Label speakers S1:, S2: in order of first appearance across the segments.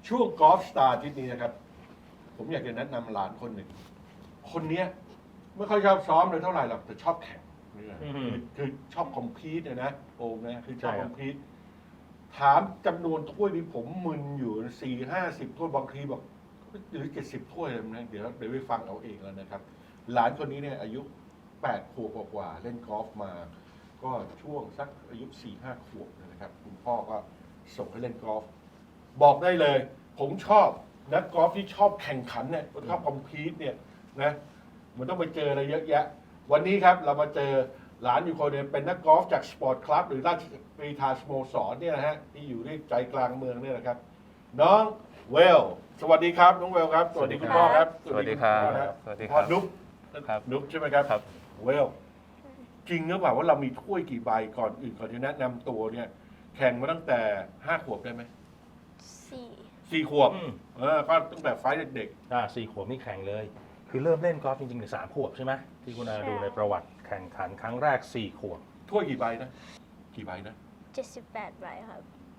S1: ช่วงกอล์ฟสตาร์ที่นี้นะครับ ผมอยากจะแนะนำหลานคนหนึ่ง คนเนี้ยไม่ค่อยชอบซ้อมเลยเท่าไหร่หรอกแต่ชอบแข่งเนี่ยคือชอบคอมพีตนะโอมนะคือชอบคอมพีตถามจำนวนถ้วยที่ผมมึนอยู่40-50 ถ้วยบางทีบอกหรือ70 ถ้วยเลยนะเดี๋ยวไปฟังเอาเองแล้วนะครับ หลานคนนี้เนี่ยอายุ8 ขวบกว่าเล่นกอล์ฟมา ก็ช่วงสักอายุ 4-5 ขวบนะครับคุณพ่อก็ส่งให้เล่นกอล์ฟบอกได้เลย ผมชอบนักกอล์ฟที่ชอบแข่งขันเนี่ยชอบคอมพีตเนี่ยนะมันต้องไปเจออะไรเยอะแยะ วันนี้ครับเรามาเจอหลานอยู่คนหนึงเป็นนักกอล์ฟจากสปอร์ตคลับหรือราชกรีฑาสโมสรเนี่ยนะฮะที่อยู่ที่ใจกลางเมืองเนี่ยนะครับ น้องเวล สวัสดีครับน้องเวลครับสวัสดีคุณพ่อครับ
S2: สวัสดีครับ
S1: สวัสดีพ่อนุ๊ก
S2: ครับ
S1: นุ๊กใช่ไหมครับ
S2: ครับ
S1: เวล จริงหรือเปล่าว่าเรามีถ้วยกี่ใบก่อนอื่นก่อนที่แนะนำตัวเนี่ย แข่งมาตั้งแต่5 ขวบได้ไหม
S3: 4
S1: 4 ขวบก็ตั้งแต่ไฟล์เด็ก
S4: 4 ขวบนี่แข่งเลย คือเริ่มเล่นกอล์ฟจริงๆใน3 ขวบใช่ไหมที่คุณอาดูในประวัติแข่งขันครั้งแรก 4 ขวบ
S1: ๆถ้วยกี่ใบนะ กี่ใบนะ
S3: 78 ใบครับ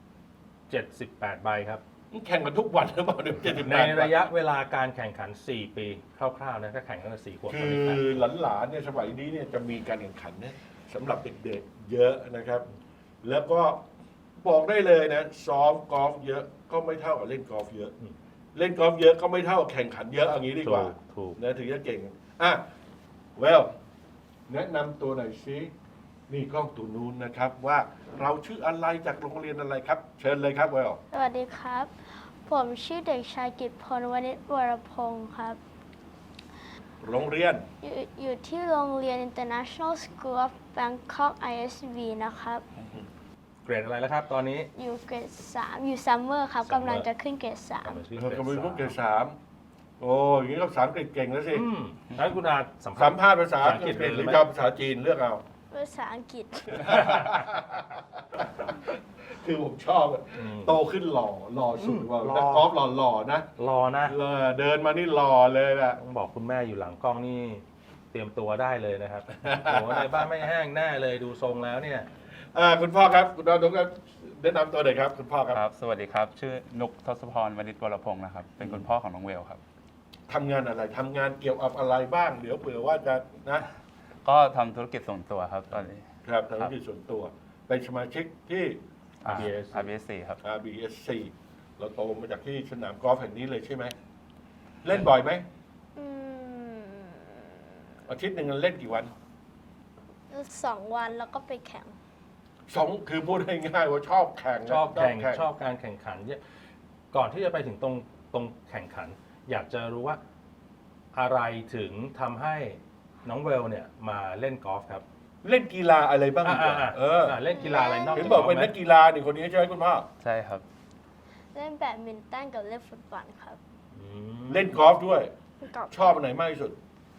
S4: 78 ใบครับ
S1: แข่งกันทุกวันหรือเปล่าเนี่ย78
S4: ในระยะเวลาการแข่งขัน 4 ปีคร่าวๆนะก็แข่งตั้งแต่4 ขวบ
S1: คื
S4: ตอน
S1: อ
S4: นี้แข่ง
S1: หลานๆเนี่ยสมัยนี้เนี่ยจะมีการแข่งขันเนี่ยสำหรับเด็กๆเยอะนะครับ แล้วก็บอกได้เลยนะซ้อมกอล์ฟเยอะก็ไม่เท่ากับเล่นกอล์ฟเยอะ เล่นกอล์ฟเยอะก็ไม่เท่ากับแข่งขันเยอะเอางี้ดีกว่า
S4: ถูก
S1: นะถึงจะเก่งเวลแนะนำตัวหน่อยสินี่กล้องตัวนู้นนะครับว่าเราชื่ออะไรจากโรงเรียนอะไรครับ เชิญเลยครับเวล
S3: สวัสดีครับ ผมชื่อเด็กชายกิตพลวณิชวรพงศ์ครับ
S1: โรงเรียน
S3: อยู่ที่โรงเรียน International School of Bangkok ISB นะครับ
S4: เกรดอะไรแล้วครับตอนนี้
S3: อยู่เกรด 3 อยู่ซัมเมอร์ครับ
S4: Summer
S3: กำลังจะขึ้นเกรด
S1: ก็เป็นพวกเกรด3โอ้ยอย่างนี้ก็ภาษาอังกฤษเก่งแล้วสิ
S4: งั้นคุณอาสัม
S1: สัม
S4: ภาษณ์
S1: ภาษณ์ภาษาอังกฤษหรือจะเอาภาษาจีนเลือกเอา
S3: 3 ภาษาอังกฤษ
S1: คือผมชอบอะโตขึ้นหล่อสุดว่า
S4: หล่อ
S1: นักกอล์ฟหล่อๆนะ
S4: รอนะ
S1: เดินมานี่หล่อเลยแหละ
S4: ต้องบอกคุณแม่อยู่หลังกล้องนี่เตรียมตัวได้เลยนะครับ โอ้โหในบ้านไม่แห้งแน่เลยดูทรงแล้วเนี่ย
S1: คุณพ่อครับคุณน้องครับแนะนำตัวหน่อยครับคุณพ่อครับ
S2: ครับ สวัสดีครับ ชื่อนุกทศพรวณิชวรพงศ์นะครับ เป็นคุณพ่อของน้องเวลครับ
S1: ทำงานอะไรทำงานเกี่ยวกับอะไรบ้าง เดี๋ยวเผื่อว่าจะนะ
S2: ก็ทำธุรกิจส่วนตัวครับตอนนี้
S1: ครับทำธุรกิจส่วนตัว เป็นสมาชิกที่
S2: RBSC ครับ
S1: RBSC เราโตมาจากที่สนามกอล์ฟแห่งนี้เลยใช่ไหม เล่นบ่อยไหม
S3: อืม
S1: อาทิตย์หนึ่งเล่นกี่วัน
S3: 2 วันแล้วก็ไปแข่ง
S1: คือพูดง่ายๆว่าชอบแข่งนะ
S4: ชอบการแข่งขันเนี่ยก่อนที่จะไปถึงตรงแข่งขัน อยากจะรู้ว่าอะไรถึงทำให้น้องเวลเนี่ยมาเล่นกอล์ฟครับ
S1: เล่นกีฬาอะไรบ้างดีกว่า
S4: เล่นกีฬาอะไรนอก
S1: เห็น
S4: จาก
S1: บอก
S4: กอล์ฟ
S1: เป็น
S4: ไหม
S1: นักกีฬานี่คนนี้ใช่ไหมคุณพ่อ
S2: ใช่ครับ
S3: เล่นแบดมินตันกับเล่นฟุตบอลครับ
S4: อืม
S1: เล่นกอล์ฟด้วย
S3: กับ
S1: ชอบอันไหนมากที่สุด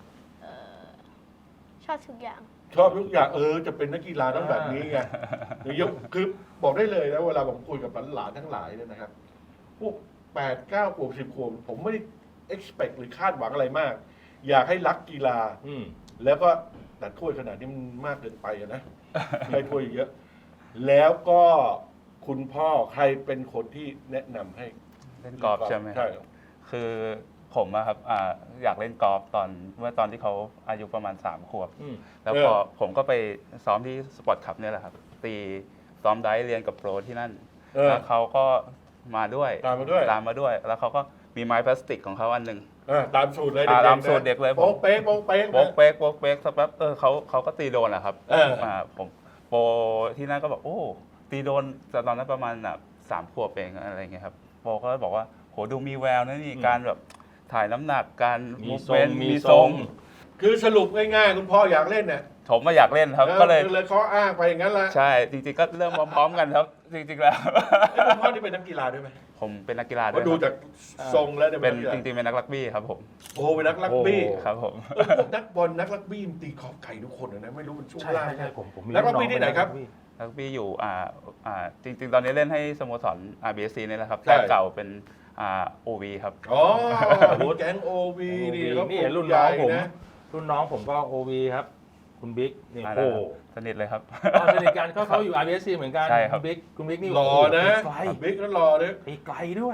S3: ชอบทุกอย่าง
S1: ชอบทุกอย่างจะเป็นนักกีฬาต้องแบบนี้ไงยกคือบอกได้เลยนะเวลาผมคุยกับหลานๆทั้งหลายเนี่ยนะครับ พวก8-9 ขวบ10 ขวบผมไม่ได้ expect หรือคาดหวังอะไรมาก อยากให้รักกีฬา
S4: อืม
S1: แล้วก็แต่ถ้วยขนาดนี้มันมากเกินไปอะนะ ไม่ถ้วยเยอะ แล้วก็คุณพ่อใครเป็นคนที่แนะนำให้
S2: เล่นกอล์ฟใช่ไหมค
S1: ใช่
S2: รับคือผมอะครับอยากเล่นกอล์ฟเมื่อตอนที่เขาอายุประมาณ3 ขวบ
S4: อืม
S2: แล้วพอผมก็ไปซ้อมที่สปอร์ตคลับเนี่ยแหละครับ ซ้อมไดฟ์เรียนกับโปรที่นั่น แล้วเขาก็มาด้วย
S1: ตามมาด้วย
S2: แล้วเขาก็มีไม้พลาสติกของเขาอันหนึ่ง
S1: ตามสูตรเลย
S2: ตามสูตรเด็กเลยผม
S1: โป๊กเป๊กโป๊กเป๊ก
S2: โบกเป๊กโบกเป๊กสักแป๊บเขาก็ตีโดนแหละครับ ผมโปรที่นั่นก็บอกโอ้ตีโดนแต่ตอนนั้นประมาณ3 ขวบเองอะไรเงี้ยครับโปรก็บอกว่าโหดูมีแววนะนี่การแบบถ่ายน้ำหนักการ
S4: มี
S2: มูฟ
S4: ทร
S2: เม
S4: ง
S2: นต์
S4: มี
S2: มี
S4: ท
S2: ท
S4: ร
S2: รง ง
S1: คือสรุปง่ายๆคุณพ่ออยากเล่นเนี่ย
S2: ผมมาอยากเล่นครับก็เลย
S1: เขาอ้างไปอย่างนั้นแหละ
S2: ใช่จริงๆก็เริ่มพร้อมๆกันครับ จริงๆแล้ว
S1: คุณพ่อที่เป็นนักกีฬาด้วยไหม
S2: ผมเป็นนักกีฬาด้
S1: ก็
S2: วย
S1: ดู
S2: ค
S1: จา
S2: รับ
S1: กทรงแล้วเนี่ย
S2: เป็น
S1: นักกีฬา
S2: จริงๆเป็นนักรักบี้ครับผม
S1: โอ้เป็นนักรักบี้
S2: ครับผม
S1: พวกนักบอลนักรักบี้มันตีขอบไก่ทุกคนนะไม่รู้มันช่วง
S4: ใช่
S1: ล่าง
S4: ใช่ผมมี
S1: แล้วรักบี้ที่ไหนครับ
S2: รักบี้อยู่จริงๆ ตอนนี้เล่นให้สโมสร RBSC นี่แหละครับ
S1: ใช่
S2: แต่เก่าเป็นOV ครับ
S1: อ๋อมีแก๊งโอวีนี่เขา
S4: นี่เห็นรุ่น
S1: ให
S4: น้อ
S1: ญ่
S4: งผม
S1: นะ
S4: รุ่นน้องผมก็โอวีครับ คุณบิ๊กนี่
S2: มา
S4: โอ้
S2: แล้วสนิทเลยครับ
S4: สนิทกันก็เขาอยู่ RBSC เหมือนกัน
S2: ใช่ครับ
S4: คุณบิ๊กนี่
S1: หล่อนะ
S4: ไกล
S1: บิ๊กก็หล่อนะ
S4: ไปไกลด้วย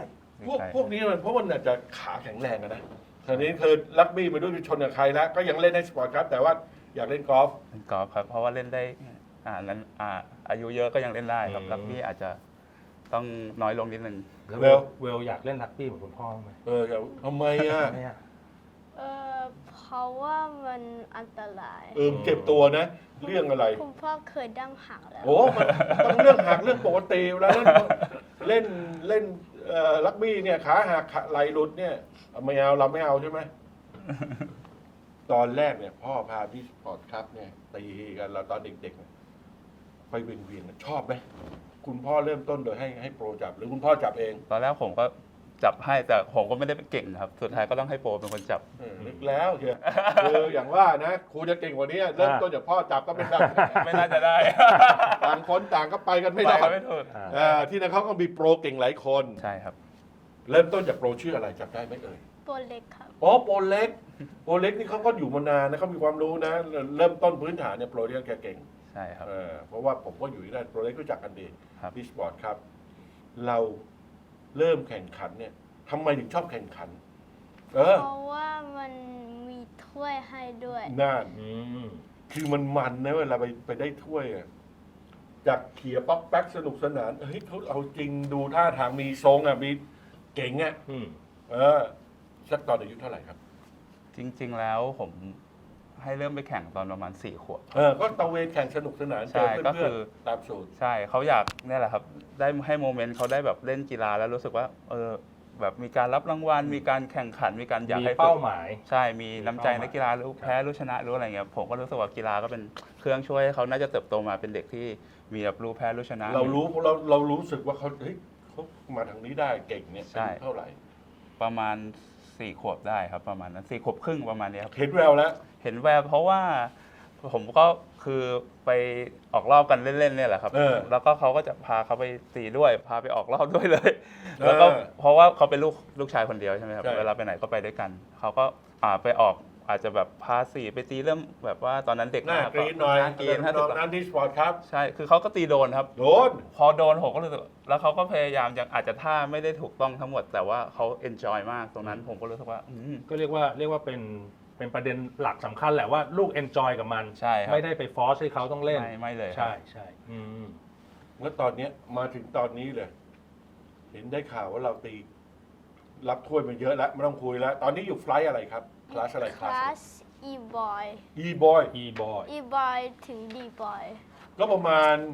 S1: พวกนี้มันเพราะมันอาจจะขาแข็งแรงอะนะตอนนี้คือรักบี้มาด้วยชนกับใครแล้ว ก็ยังเล่นในสปอร์ตครับ แต่ว่าอยากเล่นกอล์ฟ
S2: เล่นกอล์ฟครับเพราะว่าเล่นได้นั้นอายุเยอะก็ยังเล่นได้ครับรักบี้อาจจะต้องน้อยลงนิดนึง
S4: แล้ว
S1: เร็ว
S4: เวลอยากเล่นรักบี้เหมือนคุณพ่อไหม
S1: ทำไมอ่ะ
S4: ทำไมอะ
S3: เพราะว่ามันอันตราย
S1: เจ็บตัวนะ เรื่องอะไร
S3: คุณพ่อเคยดั้งหักแล้ว
S1: โอ้มันต้องเรื่องหักเรื่องปกติเวลาเล่นรักบี้เนี่ยขาหักไหลหลุดเนี่ยไม่เอาเราไม่เอาใช่ไหม ตอนแรกเนี่ยพ่อพาพี่สปอร์ตครับเนี่ยตีกันเราตอนเด็กๆเนี่ยไปเวียนๆชอบไหมคุณพ่อเริ่มต้นโดยให้โปรจับหรือคุณพ่อจับเอง
S2: ตอนแรกผมก็จับให้แต่ผมก็ไม่ได้เก่งครับ สุดท้ายก็ต้องให้โปรเป็นคนจับ
S1: นึกแล้วเชียวคืออย่างว่านะครูจะเก่งกว่านี้เริ่มต้นจากพ่อจับก็ไม่ได้
S2: ไม่น่าจะได้
S1: ต่างคนต่างก็ไปกันไม่รอ
S2: ไป
S1: ด
S2: ไม่ถูก
S1: ที่นั่นเขาก็มีโปรเก่งหลายคน
S2: ใช่ครับ
S1: เริ่มต้นจากโปรชื่ออะไรจับได้ไหมเอ่ย
S3: ตัวเล็กครับ
S1: โปรเล็กนี่เขาก็อยู่มานานนะเขามีความรู้นะ เริ่มต้นพื้นฐานเนี่ยโปรเนี่ยแกเก่ง
S2: ใช่ครับ
S1: เพราะว่าผมก็อยู่ที่นั่นโปรเล็กรู้จักกันดี
S2: ครับ
S1: พี่สปอร์ตครับ เราเริ่มแข่งขันเนี่ยทำไมถึงชอบแข่งขัน
S3: เพราะว่ามันมีถ้วยให้ด้วย
S1: น่าน
S4: อืม
S1: คือมันนะเวลาไปได้ถ้วยอะจากเขี่ยป๊อกแป๊กสนุกสนานเฮ้ยเขาเอาจริงดูท่าทางมีทรงอ่ะมีเก่งอ่ะ
S4: อืม
S1: สักตอนอายุเท่าไหร่ครับ
S2: จริง ๆ แล้วผมให้เริ่มไปแข่งตอนประมาณ4 ขวบ
S1: ก็ตะเวนแข่งสนุกสนาน
S2: ใช่
S1: เจอ
S2: ก็
S1: เพื่
S2: คือ อน
S1: ๆตามสูตร
S2: ใช่เขาอยากเนี่ยแหละครับ ได้ให้โมเมนต์เขาได้แบบเล่นกีฬาแล้วรู้สึกว่าแบบมีการรับรางวัลมีการแข่งขันมีการอยาก
S4: มี
S2: ให้ฝึก
S4: เป้าหมาย
S2: ใช่มีน้ำใจ
S4: มีเป้าหมาย
S2: นักกีฬารู้แพ้รู้ชนะรู้อะไรเงี้ยผมก็รู้สึกว่ากีฬาก็เป็นเครื่องช่วยให้เขาน่าจะเติบโตมาเป็นเด็กที่มีแบบรู้แพ้รู้ชนะ
S1: เรารู้สึกว่าเขาเฮ้ยเขามาทางนี้ได้เก่งเนี่ย
S2: ใช่
S1: อายุเท่าไหร่
S2: ประมาณ4 ขวบได้ครับประมาณนั้น4 ขวบครึ่งประมาณเนี้ยครับ
S1: เห็นแววแล้ว
S2: เห็นแววเพราะว่าผมก็คือไปออกรอบกันเล่นๆเนี่ยแหละครับ แล้วก็เขาก็จะพาเขาไปตีด้วยพาไปออกรอบด้วยเลย แล้วก็เพราะว่าเขาเป็นลูกชายคนเดียวใช่ไหมครับเวลาไปไหนก็ไปด้วยกันเขาก็ไปออกอาจจะแบบพาสีไปตีเริ่มแบบว่าตอนนั้นเด็ก
S1: หน้ากรีนหน่อย
S2: หน้ากรีน
S1: น้องนั้นที่สปอร์ตครับ
S2: ใช่คือเขาก็ตีโดนครับ
S1: โดน
S2: พอโดนผมก็รู้สึกแล้วเขาก็พยายามยังอาจจะท่าไม่ได้ถูกต้องทั้งหมด แต่ว่าเขาเอนจอยมากตรงนั้นผมก็รู้สึกว่า
S4: ก็เรียกว่าเป็นประเด็นหลักสำคัญแหละว่าลูกเอนจอยกับมัน
S2: ใช่ครับ
S4: ไม่ได้ไปฟอร์สให้เขาต้องเล่น
S2: ไม่เลยครับ
S4: ใช่ใช่อืม
S1: แล้วตอนเนี้ยมาถึงตอนนี้เลย เห็นได้ข่าวว่าเราตี รับถ้วยมาเยอะแล้วไม่ต้องคุยแล้ว ตอนนี้อยู่ไฟล์อะไรครับคลาสอะไร
S3: คลาส e-boy
S1: e-boy
S4: e-boy
S3: e-boy ถึง d-boy
S1: ก็ประมาณ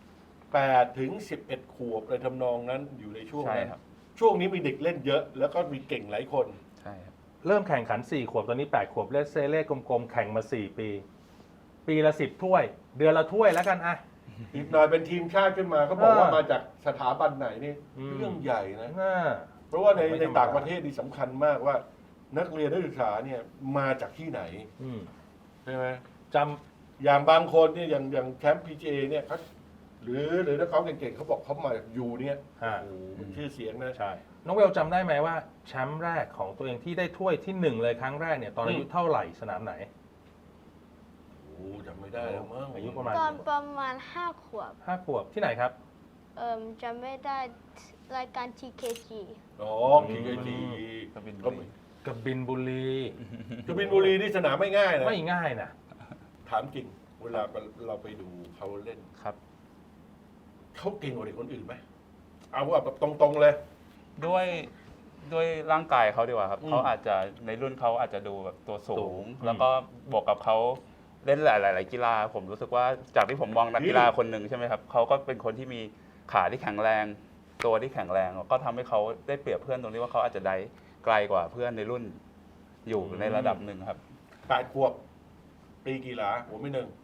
S1: 8 ถึง 11 ขวบเลยทำนองนั้นอยู่ในช่วง
S2: ใช่
S1: นั้น
S2: ครับ
S1: ช่วงนี้มีเด็กเล่นเยอะ แล้วก็มีเก่งหลายคน
S2: ใช่ครับ
S4: เริ่มแข่งขัน 4 ขวบ ตอนนี้ 8 ขวบ เลสเซเล่กลมๆ แข่งมา 4 ปี ปีละ 10 ถ้วย เดือนละถ้วยแล้วกันอะ
S1: อีกหน่อยเป็นทีมชาติขึ้นมาเขาบอกว่า
S4: เออ
S1: มาจากสถาบันไหนนี่
S4: อืม
S1: เรื่องใหญ่นะ
S4: น่า
S1: เพราะว่าใน
S4: ไม่ธรรมดา
S1: ต่างประเทศนี่สำคัญมากว่า นักเรียนนักศึกษาเนี่ยมาจากที่ไหน
S4: อืม
S1: ใช่ไหม
S4: จ
S1: อย่างบางคนเนี่ยอย่างแชมป์ PGA เนี่ยเขาหรือนักกอล์ฟเก่งๆเขาบอกเขามาจากยูเนี่ย
S4: อ่า
S1: โอ้โหมันชื่อเสียงนะ
S4: ใช่ น้องเวลจำได้ไหมว่าแชมป์แรกของตัวเองที่ได้ถ้วยที่ 1 เลยครั้งแรกเนี่ย ตอนอายุเท่าไหร่สนามไหน
S1: โอ้จำไม่ได้แล้วมั้ง
S4: อายุประมาณ
S3: ตอนประมาณ 5 ขวบ
S4: 5 ขวบที่ไหนครับ
S3: จำไม่ได้รายการ TKG
S1: อ๋อ PGA
S2: กบิน
S1: ก็
S2: บุรี
S4: กบินบุรี
S1: กบินบุรีนี่สนามไม่ง่ายนะ
S4: ไม่ง่ายนะ
S1: ถามจริง เวลาเราไปดูเขาเล่น
S2: ครับ
S1: เขาเก่งกว่าเด็กคนอื่นไหมเอาแบบตรงๆเลย
S2: ด้วยร่างกายเขาดีกว่าครับ
S1: อืม
S2: เขาอาจจะในรุ่นเขาอาจจะดูแบบตัวสู
S4: สู
S2: ง
S4: ง
S2: แล้วก็บวกกับเขาเล่นหลาย ๆ กีฬา ผมรู้สึกว่าจากที่ผมมองนักกีฬาคนหนึ่งใช่ไหมครับเขาก็เป็นคนที่มีขาที่แข็งแรง ตัวที่แข็งแรงก็ทำให้เขาได้เปรียบเพื่อนตรงที่ว่าเขาอาจจะได้ไกลกว่าเพื่อนในรุ่นอยู่ในระดับหนึ่งครับ
S1: 8 ขวบตีกีฬาผมไม่หนึ่ง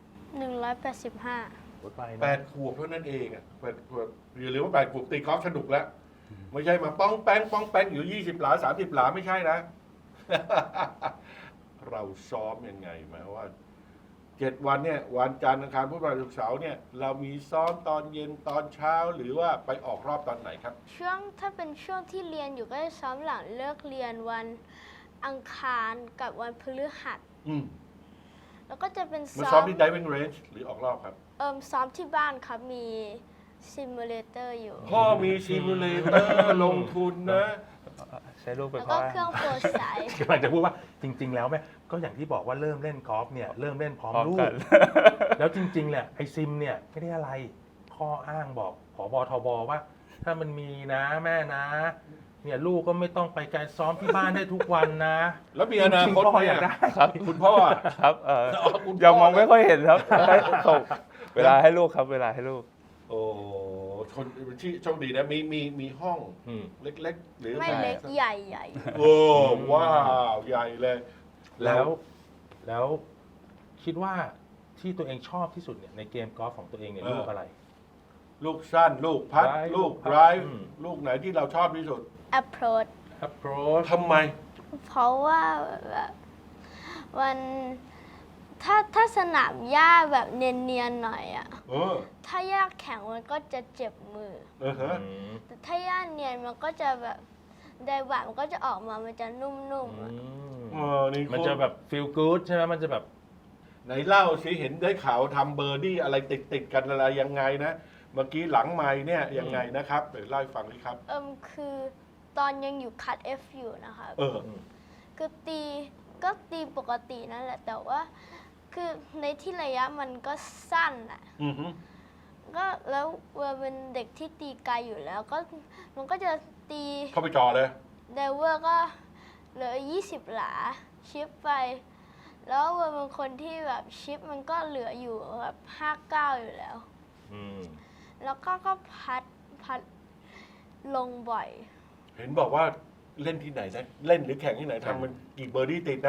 S3: 185
S4: รถไฟ
S1: 8 ขวบเท่านั้นเองอ่ะ8 ขวบอย่าลืมว่า8 ขวบตีกอล์ฟสนุกแล้ว ไม่ใช่มาป้องแป้งอยู่20 หลา 30 หลาไม่ใช่นะ เราซ้อมยังไงหมายว่า 7 วันเนี่ย วันจันทร์อังคารพุธพฤหัสศุกร์เสาร์เนี่ย เรามีซ้อมตอนเย็นตอนเช้าหรือว่าไปออกรอบตอนไหนครับ
S3: ถ้าเป็นช่วงที่เรียนอยู่ก็จะซ้อมหลังเลิกเรียนวันอังคารกับวันพฤหัส
S1: อืม
S3: แล้วก็จะเป็น
S1: มา
S3: ซ้
S1: ซ้อ
S3: อ
S1: ม
S3: ม
S1: ที่ diving range หรือออกรอบครับ
S3: ซ้อมที่บ้านครับมีซิมูเลเตอร์อยู่
S1: พ่อมีซิมูเลเตอร์ลงทุนนะ
S2: ใช้ลูกเป็น
S3: แล้ว
S2: ข้
S3: ก็
S2: ออ้าง
S3: เครื่องโปรไซส์
S4: กำลังจะพูดว่าจริง ๆ แล้วแม่ก็อย่างที่บอกว่าเริ่มเล่นกอล์ฟเนี่ยเริ่มเล่นพร้อม
S2: พร้อม
S4: ลู
S2: กั
S4: ก
S2: น
S4: แล้วจริงๆแหละไอซิมเนี่ยไม่ได้อะไรข้ออ้างบอกผบทบว่า ถ้ามันมีนะแม่นะ เนี่ยลูกก็ไม่ต้องไปการซ้อมที่บ้านได้ทุกวันนะ
S1: แล้วมีอนาคต
S4: จริงๆ
S1: ไหม
S4: พ่ออยากได้
S2: ครับ
S1: คุณพ่ออะ
S2: ครับ
S1: คุณพ่อ
S2: ยังมองไม่ค่อยเห็นครับให้ส่งเวลาให้ลูกครับ เวลาให้ลูก
S1: โอ้คนที่โชคดีนะมีห้อง
S4: อืม
S1: เล็กๆ หรือ
S3: ไม่เล็กใหญ่ใหญ่
S1: โอ้ว้าวใหญ่เลย
S4: แล้วคิดว่าที่ตัวเองชอบที่สุดเนี่ยในเกมกอล์ฟของตัวเองเนี่ยลูกอะไร
S1: ลูกสั้น ลูกพัด
S4: Drive
S1: ลูก
S4: ลูกพัด
S1: ไดรฟ์
S4: อืม
S1: ลูกไหนที่เราชอบที่สุด
S3: approach
S4: approach
S1: ทำไม
S3: เพราะว่าแบบมันถ้าสนามหญ้าแบบเนียนๆหน่อยอะ
S1: เออ
S3: ถ้าหญ้าแข็งมันก็จะเจ็บมือ
S1: ฮะ
S3: แต่ถ้าหญ้าเนียนมันก็จะแบบไดบะมันก็จะออกมามันจะนุ่มๆอะ
S1: นี่
S4: มันจะแบบ feel good ใช่ไหมมันจะแบบ
S1: ไหนเล่าสิเห็นได้ข่าวทำเบอร์ดี้อะไรติดกันอะไรยังไงนะ เมื่อกี้หลังไม้เนี่ยยังไงนะครับเดี๋ยวเล่าให้ฟังดิครับ
S3: คือตอนยังอยู่คัด F อยู่นะคะ
S1: เออ
S3: คือตีปกตินั่นแหละ แต่ว่าคือในที่ระยะมันก็สั้นอะ
S1: อือฮึ
S3: ก็แล้วเวอร์เป็นเด็กที่ตีไกลอยู่แล้วก็มันก็จะตี
S1: เข้าไปจ่อเลย
S3: ไดเวอร์ก็เหลือ 20 หลาชิปไป แล้วเวอร์เป็นคนที่แบบชิปมันก็เหลืออยู่แบบ59 อยู่แล้ว แล้วก็พัดลงบ่อย
S1: เห็นบอกว่าเล่นที่ไหนนะ เล่นหรือแข่งที่ไหนทำมันกี่เบอร์ดี้ติดนะ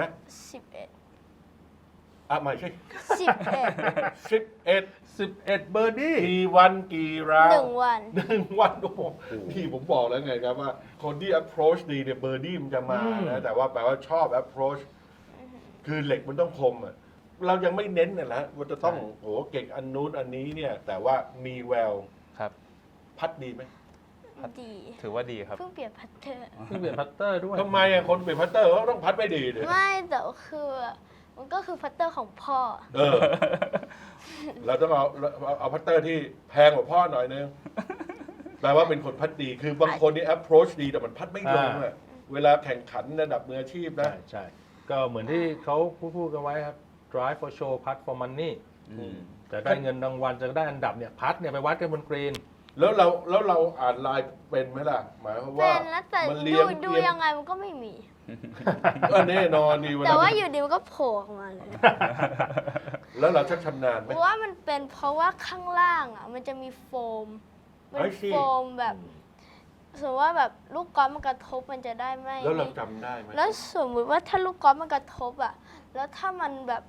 S3: 11
S1: อ่ะไม่ใช่
S3: 11
S1: 11
S4: 11 เบอร์ดี้
S1: กี่วันกี่ราว
S3: 1 วัน
S1: 1 วันโอ้โหพี่ผมบอกแล้วไงครับว่า คนที่ approach ดีเนี่ยเบอร์ดี้มันจะมานะแต่ว่าแปลว่าชอบ approach คือเหล็กมันต้องคมอ่ะเรายังไม่เน้นนะนะว่าจะต้องโอ้โหเก่งอันนู้นอันนี้เนี่ย แต่ว่ามีแวว
S2: ครับ
S1: พัดดีไหม
S3: ดี
S2: ถือว่าดีครับ
S3: เพิ่งเปลี่ยนพัตเตอร์
S4: ที่เปลี่ยนพัตเตอร์ด้วย
S1: ทำไมอ่ะคนเป็นพัตเตอร์เขาต้องพัดไม่ดีเลย
S3: ไม่แต่คือมันก็คือพัตเตอร์ของพ่อ
S1: เออ เราต้องเอาพัตเตอร์ที่แพงกว่าพ่อหน่อยนึงแปลว่าเป็นคนพัดดี คือบางคนนี่ approach ดีแต่มันพัดไม่ลงอ่ะเวลาแข่งขันระดับมืออาชีพนะ
S4: ใช่ ก็เหมือนที่เขาพูดกันไว้ครับ drive for show putt for money จะได้เงินรางวัลจะได้อันดับเนี่ยพัดเนี่ยไปวัดกันบนกรีน
S1: แล้วเราอ่านไลน์เป็นไหมล่ะ หมายความว่า
S3: เป็นแล้วแต่
S1: มันเลี้ยง
S3: ดู
S1: เลี้ยง
S3: ยังไงมันก็ไม่มี
S1: แน่นอนดีเวล
S3: แต่ว่าอยู่ดีมันก็โผล่ออกมาเลย
S1: แล้วเราชักชำนาญไหม
S3: เพราะว่ามันเป็นเพราะว่าข้างล่างอ่ะมันจะมีโฟมเป็น
S1: I see
S3: โฟมแบบสมมติว่าแบบลูกกอล์ฟมันกระทบมันจะได้ไม่
S1: แล้วเราจำได้ไหม
S3: แล้วสมมติว่าถ้าลูกกอล์ฟมันกระทบอ่ะแล้วถ้ามันแบบ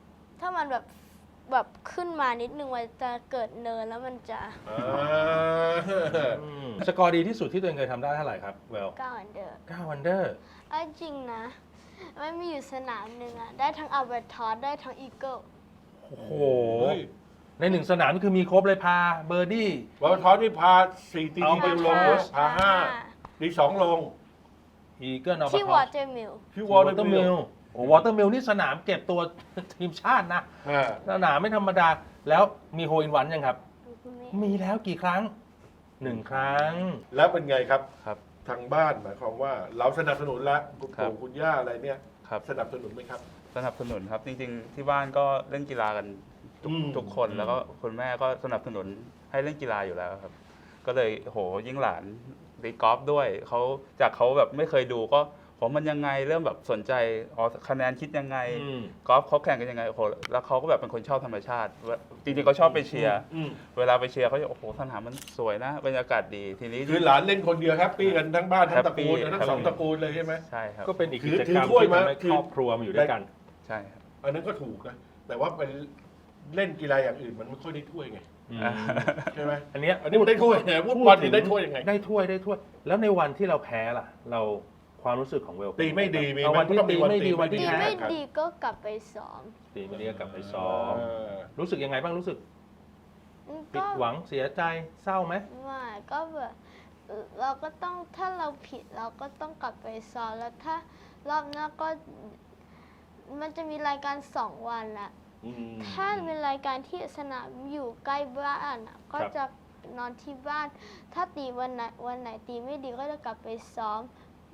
S3: ขึ้นมานิดนึงมันจะเกิดเนินแล้วมันจะ
S1: อ่า
S4: สกอร์ดีที่สุดที่ตัวเองเคยทำได้เท่าไหร่ครับเวล
S3: 9 อันเดอร์
S4: 9 อันเดอร์
S3: เอาจริงนะมันมีอยู่สนามหนึ่งอ่ะได้ทั้งอัลเบอร์ทอสได้ทั้งอีเกิล
S4: โอ้โห
S1: เฮ้ย
S4: ในหนึ่งสนามนี่คือมีครบเลยพาเบอร์ดี้
S1: วอลทอสนี่พา4 ตี
S4: เอา
S1: ทีเดียวลงเลยพา5ดี2ลง
S4: อีเกิลเอา
S3: ที่วอเตอร์มิล
S1: ที่ว
S4: ว
S1: อ
S4: อ
S1: ล
S4: เตอร์มิลโอ้วอเตอร์มิลนี่สนามเก็บตัวทีมชาตินะ สนามไม่ธรรมดา แล้วมีโฮอินวันยังครับ มีแล้วกี่ครั้ง 1 ครั้ง
S1: แล้วเป็นไงครับ
S2: ครับ
S1: ทางบ้านหมายความว่า เราสนับสนุนแล้วคุณ
S2: ครับ
S1: ปู่คุณย่าอะไรเนี่ย
S2: ครับ
S1: สนับสนุนไหมครับ
S2: สนับสนุนครับ จริงๆ ที่บ้านก็เล่นกีฬากันทุกคนแล้วก็คุณแม่ก็สนับสนุนให้เล่นกีฬาอยู่แล้วครับ ก็เลยโหยิ่งหลานตีกอล์ฟด้วยเขาจากเขาแบบไม่เคยดูก็ผมมันยังไงเริ่มแบบสนใจอ๋อคะแนนคิดยังไงกอล์ฟเขาแข่งกันยังไงโอ้โหแล้วเขาก็แบบเป็นคนชอบธรรมชาติจริงๆเขาชอบไปเชียร์เวลาไปเชียร์เขาจะโอ้โหสนามมันสวยนะบรรยากาศดีทีนี้
S1: คือหลานเล่นคนเดียวแฮปปี้กันทั้งบ้านทั้งตระกูล
S2: Happy
S1: ทั้งสองตระกูลเลยใช่ไหม
S2: ใช่ครับ
S4: ก็เป็นอีกกิจ
S1: ถื
S4: กร
S1: อ
S4: รม
S1: ถ้วย
S4: ที่
S1: มา
S4: ทำให้
S1: คือ
S4: ครอบครัวมาอยู่ด้วยกัน
S2: ใช่ครับ
S1: อันนั้นก็ถูกนะแต่ว่าไปเล่นกีฬาอย่างอื่นมันไม่ค่อยได้ถ้วยไงใช่ไหม
S4: อันเนี้ย
S1: อันนี้มันได้ถ้วยไงฟุตบอลนี่ได้ถ้วยยังไง
S4: ได้ถ้วย แล้วในวันที่เราแพ้ล่ะ เราความรู้สึกของเวล
S1: ตีไม่ดีมี
S4: เอาวันที่
S1: มันต้องมี
S4: ตี
S1: วัน
S4: ไม่ดี
S1: ตี
S4: วันที่
S3: ดี
S4: แพ้
S3: ไม่ดีก็กลับไปซ้อม
S4: ตีไม่ดีก็กลับไปซ้อม
S1: เออ
S4: รู้สึกยังไงบ้างรู้สึกผิ
S3: ก็
S4: ดหวังเสียใจเศร้าไหม
S3: ไม่ก็แบบเราก็ต้องถ้าเราผิดเราก็ต้องกลับไปซ้อมแล้วถ้ารอบหน้าก็มันจะมีรายการ2 วันละ ถ้าเป็นรายการที่สนามอยู่ใกล้บ้านอะก็จะนอนที่บ้าน ถ้าตีวันไหนตีไม่ดีก็จะกลับไปซ้อม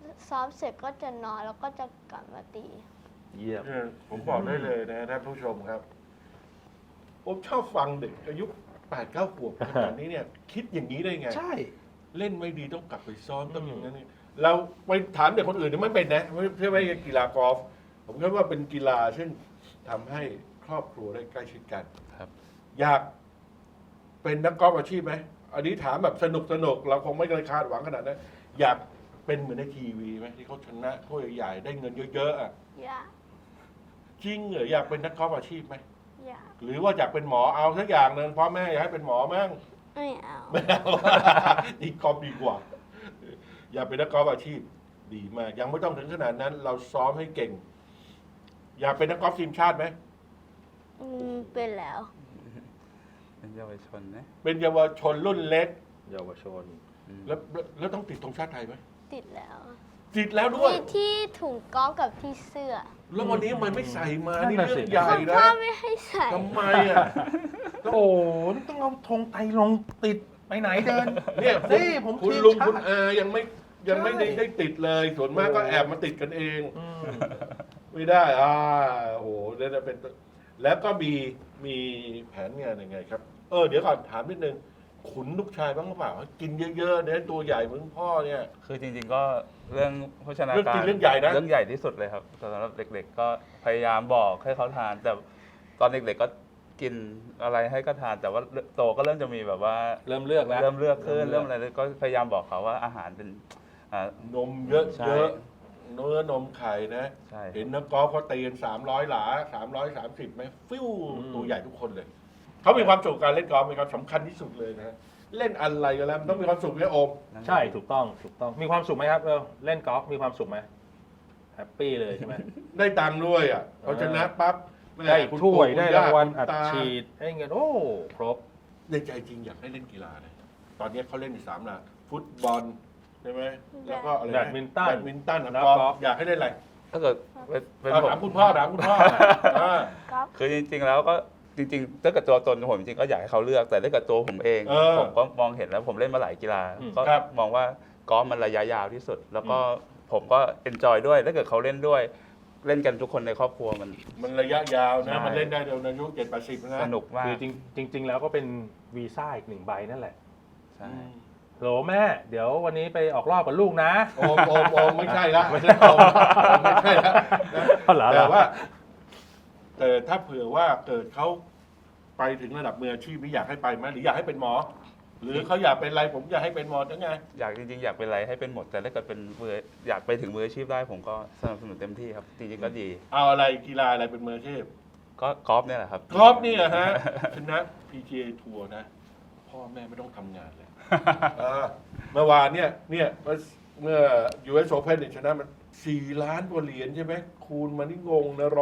S3: ซ้อมเสร็จก็จะนอนแล้วก็จะกลับมาตี
S4: เยี่ยม
S1: เนี่ยผมบอกได้เลยนะท่านผู้ชมครับ ผมชอบฟังเด็กอายุ8-9 ขวบขนาดนี้เนี่ย คิดอย่างนี้ได้ไง
S4: ใช่
S1: เล่นไม่ดีต้องกลับไปซ้อมต้องอย่างนั้นนี่เราไปถามเด็กคนอื่นเนี่ยไม่เป็นนะไม่ใช่กีฬากอล์ฟผมคิดว่าเป็นกีฬาซึ่งทำให้ครอบครัวได้ใกล้ชิดกัน
S2: ครับ
S1: อยากเป็นนักกอล์ฟอาชีพไหมอันนี้ถามแบบสนุกเราคงไม่เคยคาดหวังขนาดนั้นอยากเป็นเหมือนในทีวีไหมที่เขาชนะถ้วยใหญ่ๆได้เงินเยอะๆอ่ะ
S3: อยาก
S1: จริงเหรออยากเป็นนักกอล์ฟอาชีพไหม
S3: อยาก
S1: หรือว่าอยากเป็นหมอเอาสักอย่างหนึ่งพ่อแม่อยากให้เป็นหมอมั้ง
S3: ไม่เอา
S1: ไม่เอา นี่กอล์ฟดีกว่า อยากเป็นนักกอล์ฟอาชีพ ดีมาก ยังไม่ต้องถึงขนาดนั้น เราซ้อมให้เก่ง อยากเป็นนักกอล์ฟทีมชาติไหม
S3: เป็นแล้ว
S2: เป็นเยาวชนนะ
S1: เป็นเยาวชนรุ่นเล็ก
S4: เยาวชน
S1: แล้วต้องติดธงชาติไทยไหม
S3: ติดแล้ว
S1: ติดแล้วด้วย
S3: มีที่ถุงกอล์ฟกับที่เสื้อ
S1: แล้ววันนี้มันไม่ใส่มา
S4: นั่น
S1: นี่
S4: น่ะ
S1: เรื่
S4: สิ
S1: องใหญ่
S3: คุณ
S1: นะ
S3: พ่อไม่ให้ใส่
S1: ทำไมอ่ะ
S4: โอ้โหนี่ต้องเอาธงไตรลงค์ติดไปไหนเดิน
S1: เนี่ยคุณ
S4: นี่ผม
S1: คุณ
S4: ทีม
S1: ลุง
S4: ชาติ
S1: คุณอายังไม่ได้
S4: ใช่
S1: ได้ติดเลย ส่วนมากก็
S4: โอ้
S1: แอบมาติดกันเอง
S4: อืม
S1: ไม่ได้ โอ้โหนี่จะเป็น แล้วก็มีแผนงานยังไงครับ เดี๋ยวก่อนถามนิดนึง ขุนลูกชายบ้างหรือเปล่า กินเยอะๆเนี่ยตัวใหญ่เหมือนพ่อเนี่ย
S2: คือจริงๆก็เรื่องโภชนา
S1: เรื่อง
S2: กา
S1: กิ
S2: ร
S1: นเรื่องใหญ่นะ
S2: เรื่องใหญ่ที่สุดเลยครับสำหรับเด็กๆก็พยายามบอกให้เขาทาน แต่ตอนเด็กๆก็กินอะไรให้ก็ทาน แต่ว่าโตก็เริ่มจะมีแบบว่า
S4: เริ่มเลือกแล้ว
S2: เริ่มเลือกขึ้นเริ่มอะไรก็พยายามบอกเขาว่าอาหารเป็น
S1: นมเยอะ
S2: ใช่
S1: เยอะเนื้อนมไข่นะ
S2: ใช่ครับ
S1: เห็นนักกอล์ฟเขาตีกัน300 หลา 330ไหมฟิว
S4: อืม
S1: ตัวใหญ่ทุกคนเลย เขามีความสุขกับการเล่นกอล์ฟมีความสำคัญที่สุดเลยนะ เล่นอะไรก็แล้วมันต้องมีความสุขเนี่ยโอม
S4: ใช่ถูกต้องมีความสุขไหมครับเล่นกอล์ฟมีความสุขไหมแฮปปี้เลยใช่ไหม
S1: ได้ตังค์ด้วยอ่ะพอชนะปั๊บแม่
S4: ได้
S1: คุณ
S4: ถ้วย
S1: ปู่
S4: ได้
S1: คุณ
S4: รางวัล
S1: คุณ
S4: อัด
S1: ตา
S4: ฉีดได้เงินโอ้ครบ
S1: ในใจจริงอยากให้เล่นกีฬาเลยตอนนี้เขาเล่นอยู่3 หลักฟุตบอลใช่ไหมแล้วก็อะไระ
S4: แบดมินตัน
S1: แบดมินตัน
S4: แล้ว
S1: กอล์
S4: กอล์
S1: ฟ
S4: ฟ
S1: อยากให้เล่นอะไร
S2: ถ้าเกิดเป็น
S1: เอา
S2: ผม
S1: ถามคุณพ่ออ่า
S3: กอล์ฟ
S2: คือจริงๆแล้วก็จริงๆถ้าเกิดตัวตนผมจริงๆก็อยากให้เขาเลือกแต่ถ้าเกิดตัวผมเอง ผมก็มองเห็นแล้วผมเล่นมาหลายกีฬา ก็
S1: ครับ
S2: มองว่ากอล์ฟมันระยะยาวที่สุด แล้วก็ผมก็เอนจอยด้วยถ้าเกิดเขาเล่นด้วย เล่นกันทุกคนในครอบครัวมัน
S1: ระยะยาวนะ
S2: ใช่
S1: มันเล่นได้เดี๋ยวอายุ70-80นะ
S2: สนุกมาก
S4: คือจริง ๆ แล้วก็เป็นวีซ่าอีก1 ใบนั่นแหละ
S2: ใช่
S4: โหลแม่ เดี๋ยววันนี้ไปออกรอบกับลูกนะ
S1: โอมไม่ใช่ละไม่ใช่โอมไม่ใช่ละนะ
S4: เอาเหรอ
S1: แต่ว่าแต่ถ้าเผื่อว่าเกิดเขาไปถึงระดับมืออาชีพนี่อยากให้ไปไหมหรืออยากให้เป็นหมอ หรือเขาอยากเป็นอะไรผมอยากให้เป็นหมอทั้งไง
S2: อยากจริงๆอยากเป็นอะไรให้เป็นหมด แต่ถ้าเกิดเป็นมืออยากไปถึงมืออาชีพได้ผมก็สนับสนุนเต็มที่ครับ จริงๆก็ดี
S1: เอาอะไรกีฬาอะไรเป็นมืออาชีพ
S2: ก็กอล์ฟเนี่ยแหละครับ
S1: กอล์ฟนี่เหรอฮะชนะ PGA ทัวร์นะ พ่อแม่ไม่ต้องทำงานเลยเมื่อวานเนี่ยเมื่อ US Open เนี่ยชนะมัน4 ล้านกว่าเหรียญใช่ไหมคูณมันนี่งงนะ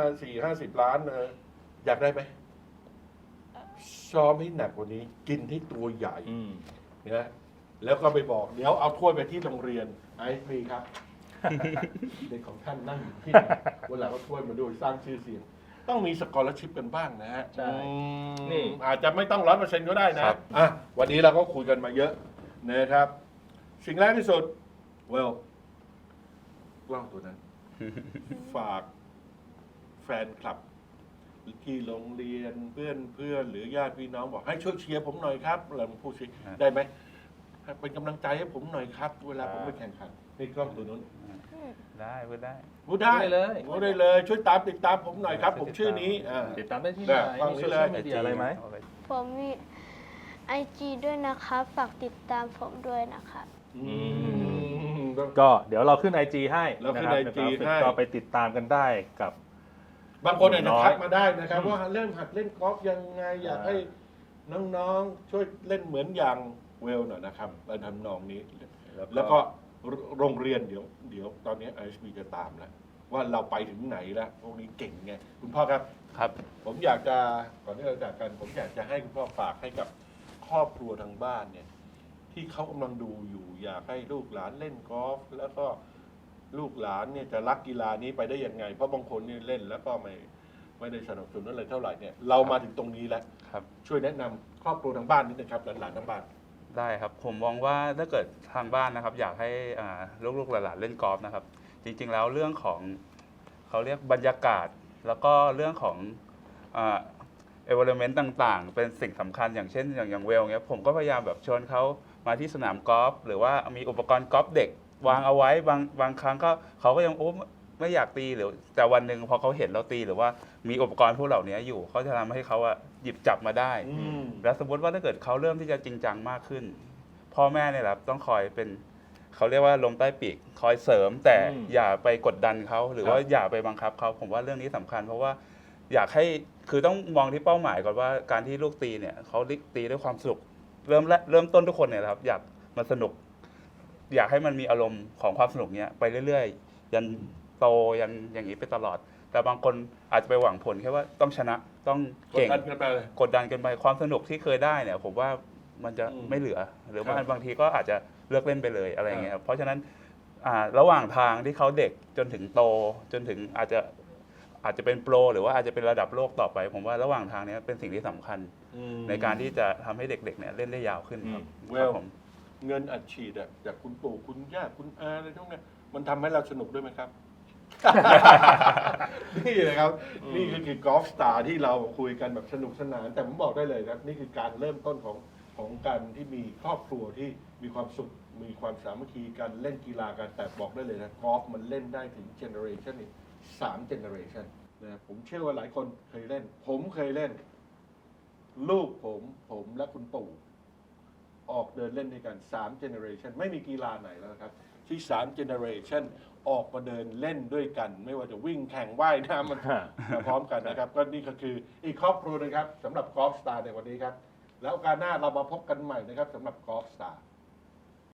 S1: 150 ล้านนะอยากได้ไหมซ้อมให้หนักกว่านี้ กินให้ตัวใหญ่
S4: อืม
S1: นะแล้วก็ไปบอกเดี๋ยวเอาถ้วยไปที่โรงเรียนไอซ์มีครับ เด็กของท่านนั่งอยู่ที่ไหนเวลาเขาถ้วยมาด้วยสร้างชื่อเสียง ต้องมีสกอร์ชิพกันบ้างนะฮะ
S4: ใช่
S1: นี่ อาจจะไม่ต้อง100%ก็ได้นะครับ อ่ะวันนี้เราก็คุยกันมาเยอะนะครับ สิ่งแรกที่สุดเวลกล้องตัวนั้น ฝากแฟนคลับที่โรงเรียนเพื่อนหรือญาติพี่น้องบอกให้ช่วยเชียร์ผมหน่อยครับเราพูดสิได้ไหมให้เป็นกำลังใจให้ผมหน่อยครับ เวลาผมไปแข่งขันนี่กล้องตัวนู้น
S2: ได้พูดได้
S1: พูดได้
S4: พูดได้เลย
S1: พูดได้เลย ช่วยติดตามผมหน่อยครับ ผมชื่อนี้า
S4: ติดตามได้ที่ไหน
S1: ฟัง
S4: มี
S1: นี้
S4: โซ
S1: เล
S4: เชีย
S1: ย
S4: ลมีเดียอะไรไหม
S3: ผมมี IG ด้วยนะคะฝากติดตามผมด้วยนะคะ
S1: อืม
S4: ก็เดี๋ยวเราขึ้น IG ให้
S1: เราขึ้น
S4: ะคบ
S1: IG
S4: ใน
S1: ให้
S4: ก็ไปติดตามกันได้กับบ
S1: างคนอาจจะ
S4: น้อย
S1: ทักมาได้นะครับ ว่าเริ่มหัดเล่นกอล์ฟยังไง อยากให้น้องๆ ช่วยเล่นเหมือนอย่างเวลหน่อยนะครับในทำนองนี้ แล้วก็โรงเรียนเดี๋ยวตอนนี้ ISB จะตามแล้วว่าเราไปถึงไหนแล้วพวกนี้เก่งไงคุณพ่อครับ
S2: ครับ
S1: ผมอยากจะก่อนที่เราจากกัน ผมอยากจะให้คุณพ่อฝากให้กับครอบครัวทางบ้านเนี่ย ที่เขากำลังดูอยู่ อยากให้ลูกหลานเล่นกอล์ฟแล้วก็ลูกหลานเนี่ยจะรักกีฬานี้ไปได้ยังไง เพราะบางคนเนี่ยเล่นแล้วก็ไม่ได้สนับสนุนอะไรเท่าไหร่เนี่ยเรามาถึงตรงนี้แล้ว
S2: ครับ
S1: ช่วยแนะนำครอบครัวทางบ้านนิดนึงครับหลานๆทางบ้าน
S2: ได้ครับ ผมมองว่าถ้าเกิดทางบ้านนะครับ อยากให้ลูกๆหลานๆเล่นกอล์ฟนะครับ จริงๆแล้วเรื่องของเขาเรียกบรรยากาศ แล้วก็เรื่องของenvironment ต่างๆ เป็นสิ่งสำคัญอย่างเช่นอย่างเวลเงี้ยผมก็พยายามแบบชวนเขามาที่สนามกอล์ฟหรือว่ามีอุปกรณ์กอล์ฟเด็กวางเอาไว้บางครั้งก็เขาก็ยังไม่อยากตีหรือแต่วันหนึ่งพอเขาเห็นเราตีหรือว่ามีอุปกรณ์พวกเหล่านี้อยู่เขาจะทำให้เขาหยิบจับมาได้ แล้วสมมติว่าถ้าเกิดเขาเริ่มที่จะจริงจังมากขึ้น พ่อแม่เนี่ยแหละต้องคอยเป็นเขาเรียกว่าลมใต้ปีกคอยเสริม แต่อย่าไปกดดันเขาหรือว่าอย่าไปบังคับเขาผมว่าเรื่องนี้สำคัญ เพราะว่าอยากให้คือต้องมองที่เป้าหมายก่อนว่าการที่ลูกตีเนี่ยเขาตีด้วยความสนุกเริ่มต้นทุกคนเนี่ยครับอยากมันสนุก อยากให้มันมีอารมณ์ของความสนุกเนี้ยไปเรื่อยๆยันโตยันอย่างนี้ไปตลอด แต่บางคนอาจจะไปหวังผลแค่ว่าต้องชนะต้องเก่ง
S1: กดดันกันไปเลย
S2: กดดันเกันไปความสนุกที่เคยได้เนี่ยผมว่ามันจะไม่เหลือ หรือว่า
S1: ครับ
S2: บางทีก็อาจจะเลิกเล่นไปเลยอะไรอย่างเงี้ยครับเพราะฉะนั้นระหว่างทางที่เขาเด็กจนถึงโตจนถึงอาจจะเป็นโปรหรือว่าอาจจะเป็นระดับโลกต่อไป ผมว่าระหว่างทางเนี้ยเป็นสิ่งที่สำคัญในการที่จะทำให้เด็กๆเนี่ยเล่นได้ยาวขึ้นครับ
S1: เว
S2: ครับ
S1: ล
S2: ผม
S1: เงินอัดฉีดอะจากคุณปู่คุณย่าคุณอาอะไรทุกเนี่ยมันทำให้เราสนุกด้วยไหมครับ นี่นะครับ นี่คือกอล์ฟสตาร์ที่เราคุยกันแบบสนุกสนาน แต่ผมบอกได้เลยครับ นี่คือการเริ่มต้นของการที่มีครอบครัวที่มีความสุขมีความสามัคคีกันเล่นกีฬากันแต่บอกได้เลยนะกอล์ฟมันเล่นได้ถึงเจเนอเรชันนี้3 เจเนอเรชันนะผมเชื่อว่าหลายคนเคยเล่น ผมเคยเล่น ลูกผมและคุณปู่ ออกเดินเล่นด้วยกัน3 generation ไม่มีกีฬาไหนแล้วนะครับ ที่3 generation ออกมาเดินเล่นด้วยกัน ไม่ว่าจะวิ่งแข่งว่ายน้ำมันมาพร้อมกันนะครับ ก็นี่ก็คืออีกครอบครัวนะครับสำหรับกอล์ฟสตาร์ในวันนี้ครับ แล้วโอกาสหน้าเรามาพบกันใหม่นะครับสำหรับกอล์ฟสตาร์